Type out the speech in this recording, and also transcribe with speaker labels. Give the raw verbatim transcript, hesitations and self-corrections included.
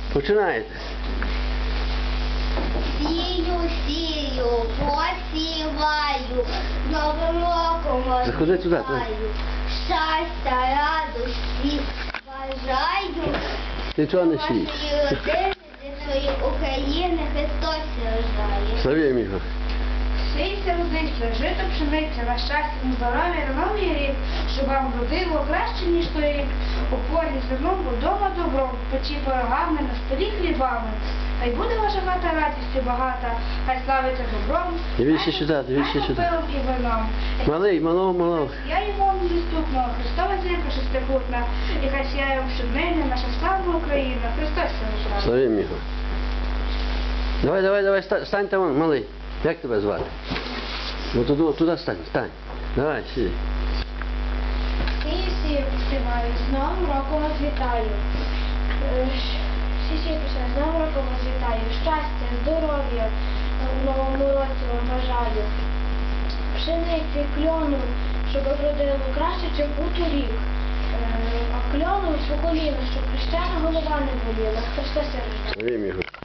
Speaker 1: Починаєте.
Speaker 2: Сію, сію, посіваю, з Новим роком вас
Speaker 1: Заходи туди,
Speaker 2: вітаю. Щастя, радості бажаю.
Speaker 1: Ти чого не сієш?
Speaker 2: Вашої родини, дитної України, Христос рождає.
Speaker 1: Славімо його.
Speaker 3: Сійся, родиться, жито пшениця, на щастя, на здоров'я, на новий рік, щоб вам родило краще, ніж той рік. У полі зерном, удома добром, в печі пирогами, на столі хлібами. Хай буде ваша хата радістю багата, хай славиться добром,
Speaker 1: Дивіться сюди, дивіться сюди.
Speaker 3: пилом і вином.
Speaker 1: Малий, малого, малого.
Speaker 3: Я йому недоступного, Христова зірка шестикутна, і хай сяє вам щоднині наша славна Україна, Христос рождає.
Speaker 1: Славімо його. Давай, давай, давай, ста- стань там, малий. Як тебе звати? Ну туди, туди стань, стань. Давай, сиди.
Speaker 3: Сію, сію, посіваю, з Новим роком вас вітаю. Сію, сію, посіваю, з Новим роком вас вітаю. Щастя, здоров'я у новому році вам бажаю. Пшениці, кльону, щоб вродило краще, чим у торік. Е, А кльону у коліна, щоб хрещена голова не боліла. Христос рождає.
Speaker 1: Славімо його.